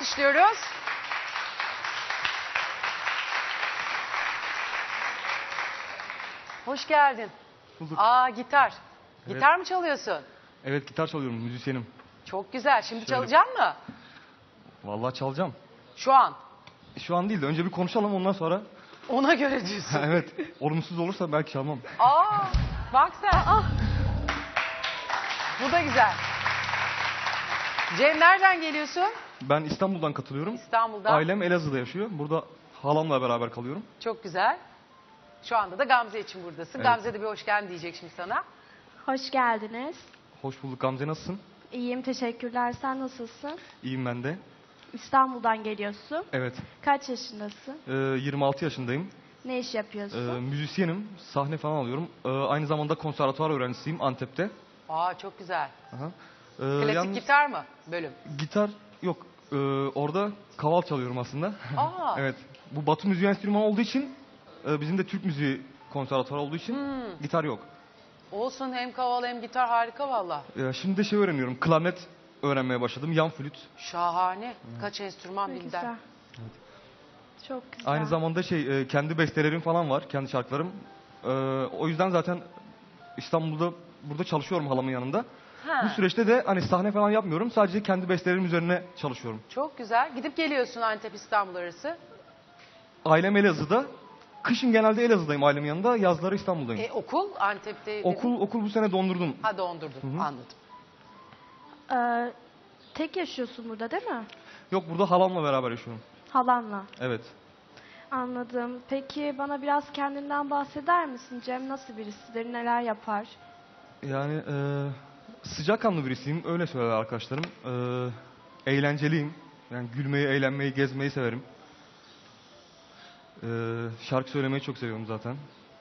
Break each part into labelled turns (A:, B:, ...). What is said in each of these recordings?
A: alkışlıyoruz. Hoş geldin.
B: Bulduk.
A: Aa, gitar.
B: Evet.
A: Gitar mı çalıyorsun?
B: Evet, gitar çalıyorum, müzisyenim.
A: Çok güzel. Şimdi
B: Şöyle-
A: çalacak mı?
B: Vallahi çalacağım.
A: Şu an.
B: Şu an değil de önce bir konuşalım, ondan sonra.
A: Ona göre diyorsun.
B: Evet, olumsuz olursa belki çalmam.
A: Aa, bak sen. Bu da güzel. Cem, nereden geliyorsun?
B: Ben İstanbul'dan katılıyorum.
A: İstanbul'dan.
B: Ailem Elazığ'da yaşıyor. Burada halamla beraber kalıyorum.
A: Çok güzel. Şu anda da Gamze için buradasın.
B: Evet.
A: Gamze de bir hoş geldin diyecek şimdi sana.
C: Hoş geldiniz.
B: Hoş bulduk Gamze, nasılsın?
C: İyiyim, teşekkürler. Sen nasılsın?
B: İyiyim ben de.
C: İstanbul'dan geliyorsun.
B: Evet,
C: Kaç yaşındasın?
B: 26 yaşındayım.
C: Ne iş yapıyorsun?
B: Müzisyenim, sahne falan alıyorum. Aynı zamanda konservatuvar öğrencisiyim Antep'te.
A: Aa, çok güzel.
B: Aha.
A: Klasik
B: Yalnız
A: gitar mı bölüm?
B: gitar yok. Orada kaval çalıyorum aslında.
A: Aa.
B: Evet. Bu Batı müziği enstrümanı olduğu için, bizim de Türk müziği konservatuvarı olduğu için gitar yok.
A: Olsun, hem kaval hem gitar, harika valla.
B: Şimdi de şey öğreniyorum. Klarnet öğrenmeye başladım. Yan flüt.
A: Şahane. Kaç enstrüman
C: Ne
A: bilden.
C: güzel. Çok güzel.
B: Aynı zamanda kendi bestelerim falan var. Kendi şarkılarım. O yüzden zaten İstanbul'da burada çalışıyorum halamın yanında.
A: Ha,
B: Bu süreçte de hani sahne falan yapmıyorum. Sadece kendi bestelerim üzerine çalışıyorum.
A: çok güzel. Gidip geliyorsun Antep İstanbul arası.
B: Ailem Elazığ'da. Kışın genelde Elazığ'dayım ailemin yanında. Yazları İstanbul'dayım.
A: Okul Antep'te. dedin.
B: Okul bu sene dondurdum.
A: Ha, dondurdun. Anladım.
C: Tek yaşıyorsun burada değil mi?
B: Yok, burada halamla beraber yaşıyorum.
C: Halanla.
B: Evet.
C: Anladım. Peki bana biraz kendinden bahseder misin? Cem nasıl birisidir? Neler yapar?
B: Yani sıcakkanlı birisiyim. Öyle söyler arkadaşlarım. Eğlenceliyim. Yani gülmeyi, eğlenmeyi, gezmeyi severim. Şarkı söylemeyi çok seviyorum zaten.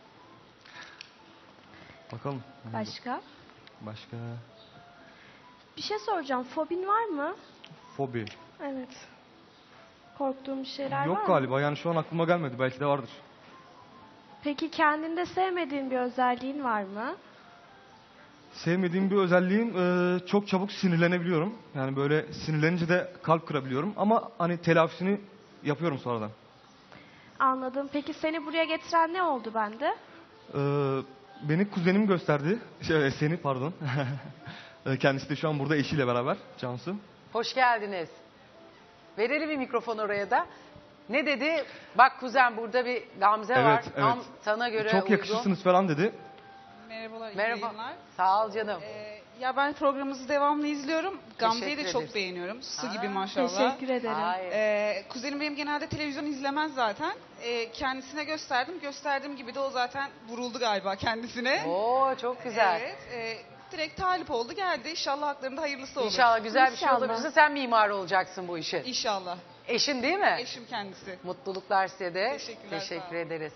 B: Bakalım.
C: Başka?
B: Başka
C: Bir şey soracağım. Fobin var mı?
B: fobi.
C: Evet. Korktuğun bir şeyler var
B: Yok
C: mı?
B: galiba. Yani şu an aklıma gelmedi. Belki de vardır.
C: Peki kendinde sevmediğin bir özelliğin var mı?
B: Sevmediğim bir özelliğim, çok çabuk sinirlenebiliyorum. Yani böyle sinirlenince de kalp kırabiliyorum. Ama hani telafisini yapıyorum sonradan.
C: Anladım. Peki seni buraya getiren ne oldu bende?
B: Beni kuzenim gösterdi. Seni pardon. Kendisi de şu an burada eşiyle beraber. Cansu.
A: Hoş geldiniz. Verelim bir mikrofon oraya da. Ne dedi? Bak kuzen, burada bir Gamze var.
B: Evet,
A: Tam
B: evet.
A: sana göre
B: Çok
A: uygun.
B: yakışırsınız falan dedi.
D: Merhabalar, iyi
A: Merhaba.
D: yayınlar.
A: Sağ ol canım.
D: Ya ben programınızı devamlı izliyorum. Gamze'yi de
A: Teşekkür
D: çok
A: ederiz.
D: beğeniyorum. Su
A: Aa,
D: gibi maşallah.
C: Teşekkür ederim.
A: Hayır.
D: Kuzenim benim genelde televizyon izlemez zaten. Kendisine gösterdim. Gösterdiğim gibi de o zaten vuruldu galiba kendisine.
A: Oo, çok güzel.
D: Evet. Direkt talip oldu geldi. İnşallah haklarında hayırlısı olur.
A: İnşallah güzel bir şey
C: İnşallah.
A: olabilirse sen mimar olacaksın bu işin.
D: İnşallah.
A: Eşin değil mi?
D: Eşim kendisi.
A: Mutluluklar size de.
D: Teşekkürler, sağ
A: Teşekkür
D: olun.
A: ederiz.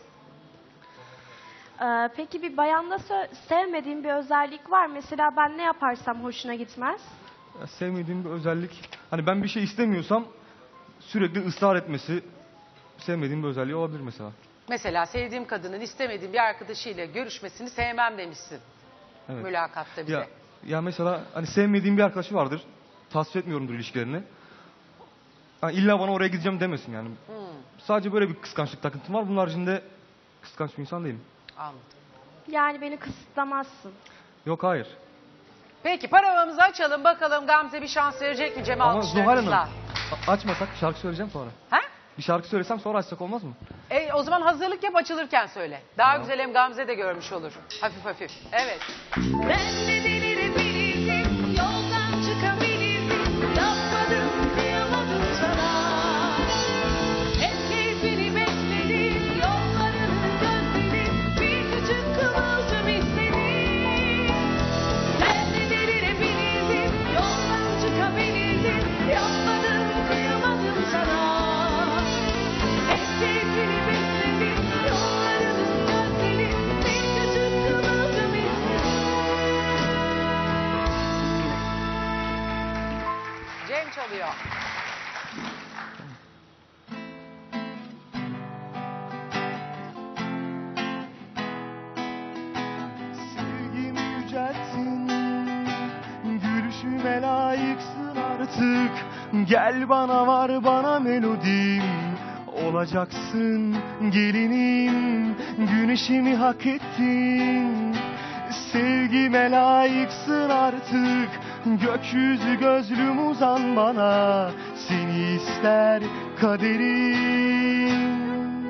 C: Peki bir bayanda sevmediğin bir özellik var. Mesela ben ne yaparsam hoşuna gitmez.
B: Ya, sevmediğim bir özellik. Hani ben bir şey istemiyorsam sürekli ısrar etmesi sevmediğim bir özelliği olabilir mesela.
A: Mesela sevdiğim kadının istemediğim bir arkadaşıyla görüşmesini sevmem demişsin.
B: Evet.
A: Mülakatta bize.
B: Ya mesela hani sevmediğim bir arkadaşı vardır. Tasvip etmiyorumdur ilişkilerini. Yani illa bana oraya gideceğim demesin yani. Sadece böyle bir kıskançlık takıntım var. Bunun haricinde kıskanç bir insan değilim.
A: Anladım.
C: Yani beni kısıtlamazsın.
B: Yok, hayır.
A: Peki paravamızı açalım bakalım, Gamze bir şans verecek mi Cem
B: Ama Zuhal Hanım,
A: alkışlarınızla?
B: açmasak şarkı söyleyeceğim sonra.
A: Ha?
B: Bir şarkı söylesem sonra açsak olmaz mı?
A: O zaman hazırlık yap, açılırken söyle. Daha
B: Tamam.
A: güzel, hem Gamze de görmüş olur. Hafif hafif. Evet.
E: Ben de delirebilirdim, yoldan çıkabilirdim, yapmadım, kıyamadım sana. Hep keyfini bekledim, yollarını gözledim, bir küçük kıvılcım istedim. Ben de delirebilirdim, yoldan çıkabilirdim, yapmadım, kıyamadım sana. Hep keyfini bekledim, yollarını gözledim, bir küçük kıvılcım istedim.
A: Cem çalıyor.
B: Sevgimi yücelttin, gülüşüme layıksın artık. Gel bana var bana melodim, olacaksın gelinim, güneşimi hak ettin. Sevgime layıksın artık, gökyüzü gözlüm uzan bana, seni ister kaderim.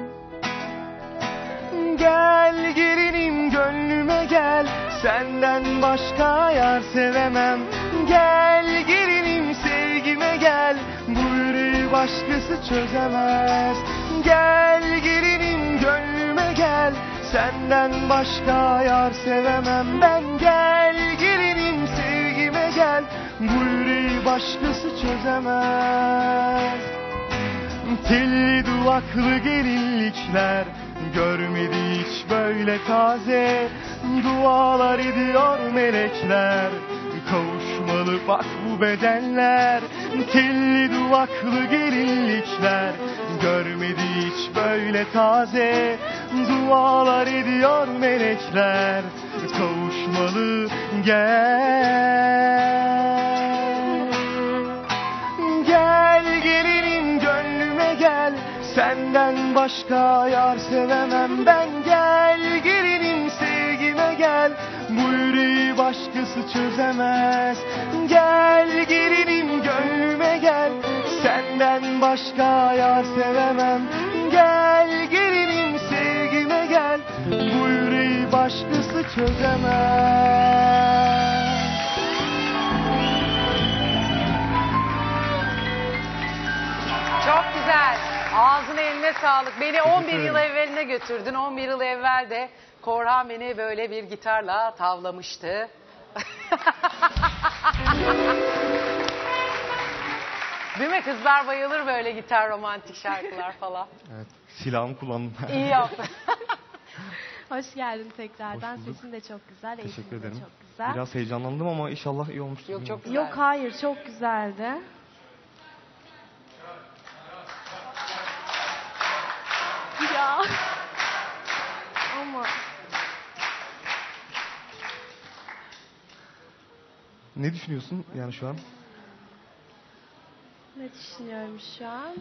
B: Gel gelinim gönlüme gel, senden başka yar sevemem. Gel gelinim sevgime gel, bu yüreği başkası çözemez. Gel gelinim gönlüme gel, senden başka yar sevemem ben. Gel gelinim sevgime gel, bu yüreği başkası çözemez. Telli duvaklı gelinlikler görmedi hiç böyle taze, dualar ediyor melekler, kavuşmalı bak bu bedenler. Telli duvaklı gelinlikler görmedi hiç böyle taze, dualar ediyor melekler, kavuşmalı gel. Gel gelinim gönlüme gel, senden başka yar sevemem ben. Gel gelinim sevgime gel, bu yüreği başkası çözemez. Gel gelinim gönlüme gel, senden başka yar sevemem. Gel gelinim sevgime gel, bu yüreği başkası çözemez.
A: Çok güzel. Ağzına eline sağlık. Beni 11 yıl
B: ederim.
A: evveline götürdün. 11 yıl evvel de Korhan beni böyle bir gitarla tavlamıştı. Değil mi? Kızlar bayılır böyle gitar, romantik şarkılar falan.
B: Evet, silahımı kullandım.
A: İyi yaptın.
C: Hoş geldin tekrardan.
B: Hoş bulduk.
C: Sesin de çok güzel.
B: Teşekkür
C: eğitimin de
B: ederim.
C: çok güzel.
B: Biraz heyecanlandım ama inşallah iyi olmuştur.
A: Yok, çok güzel.
C: Yok hayır, çok güzeldi. Ya. Ama
B: Ne düşünüyorsun yani şu an?
C: ne düşünüyorum şu an?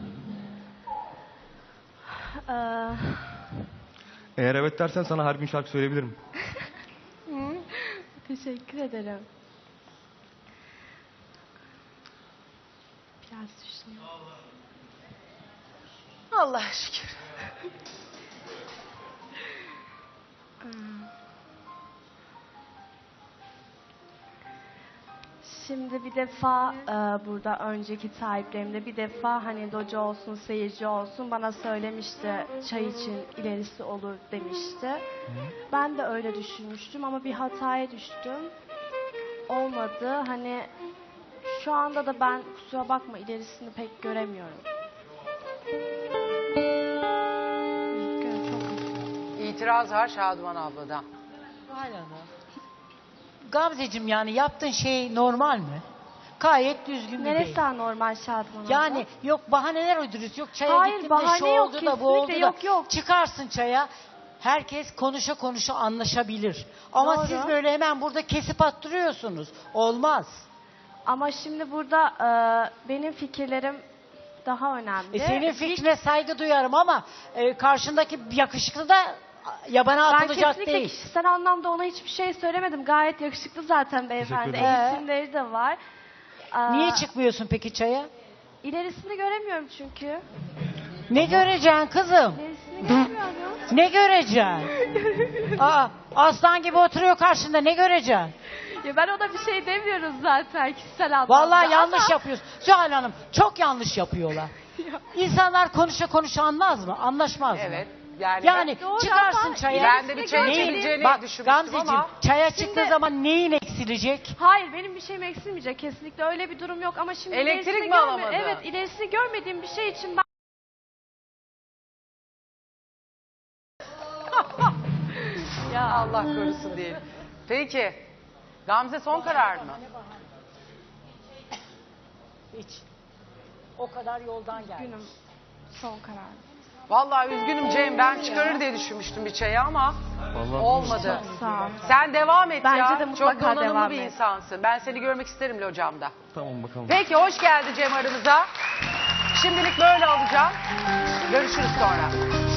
B: Eğer evet dersen sana her gün şarkı söyleyebilirim.
C: Teşekkür ederim. Biraz düşünüyorum.
A: Allah'a şükür.
C: Şimdi bir defa burada önceki sahiplerimde bir defa hani docu olsun, seyirci olsun bana söylemişti, çay için ilerisi olur demişti. Ben de öyle düşünmüştüm ama bir hataya düştüm. Olmadı. Hani şu anda da ben kusura bakma ilerisini pek göremiyorum. Üzgünüm, çok üzgünüm.
A: İtiraz var Şaduman abladan.
F: Zuhal Hanım. Gamzeciğim yani yaptığın şey normal mi? Gayet düzgün bir
C: Neresi
F: değil.
C: daha normal Şadman abla?
F: Yani yok bahaneler uyduruyorsun. Yok çaya
C: Hayır,
F: gittim de
C: bahane
F: şu
C: yok,
F: oldu da bu oldu
C: kesinlikle
F: da.
C: yok.
F: Çıkarsın çaya. Herkes konuşa konuşa anlaşabilir. Ama
C: Doğru.
F: siz böyle hemen burada kesip attırıyorsunuz. Olmaz.
C: Ama şimdi burada benim fikirlerim daha önemli.
F: Senin fikrine saygı duyarım ama karşındaki yakışıklı da yabana
C: Ben
F: atılacak
C: kesinlikle
F: değil.
C: kişisel anlamda ona hiçbir şey söylemedim. Gayet yakışıklı zaten beyefendi.
B: Teşekkür ederim.
C: Eğitimleri de var.
F: Niye çıkmıyorsun peki çaya?
C: İlerisini göremiyorum çünkü.
F: Ne göreceksin kızım?
C: İlerisini göremiyorum.
F: Ne göreceksin? Aa, aslan gibi oturuyor karşında, ne göreceksin?
C: Ya ben ona bir şey demiyorum zaten kişisel anlamda.
F: Vallahi yanlış
C: ama-
F: yapıyorsun. Zuhal Hanım çok yanlış yapıyorlar. İnsanlar konuşa konuşa anmaz mı? Anlaşmaz mı?
A: Evet. Yani,
F: Yani
C: Doğru
F: çıkarsın
C: ama
F: çaya.
A: ben de bir çaya
C: Neyin-
A: çekileceğini
F: Bak
A: düşünmüştüm
F: Gamzeciğim
A: ama.
F: çaya
C: Şimdi-
F: çıktığı zaman neyin eksilecek?
C: Hayır benim bir şeyim eksilmeyecek. Kesinlikle öyle bir durum yok. Ama şimdi
A: Elektrik
C: ilerisini
A: mi alamadın?
C: Evet ilerisini görmediğim bir şey için ben...
A: Ya Allah korusun diyelim. Peki. Gamze son karar mı?
F: Hiç. O kadar yoldan geldi.
C: Günüm son karar.
A: Vallahi üzgünüm Cem, ben çıkarır diye düşünmüştüm bir çayı ama
B: Vallahi
A: olmadı.
C: Sağ ol.
A: Sen devam et
C: Bence
A: ya.
C: de mutlaka
A: Çok donanımlı
C: devam
A: bir
C: et.
A: insansın. Ben seni görmek isterim locamda.
B: Tamam bakalım.
A: Peki hoş geldi Cem aramıza. Şimdilik böyle alacağım. Görüşürüz sonra.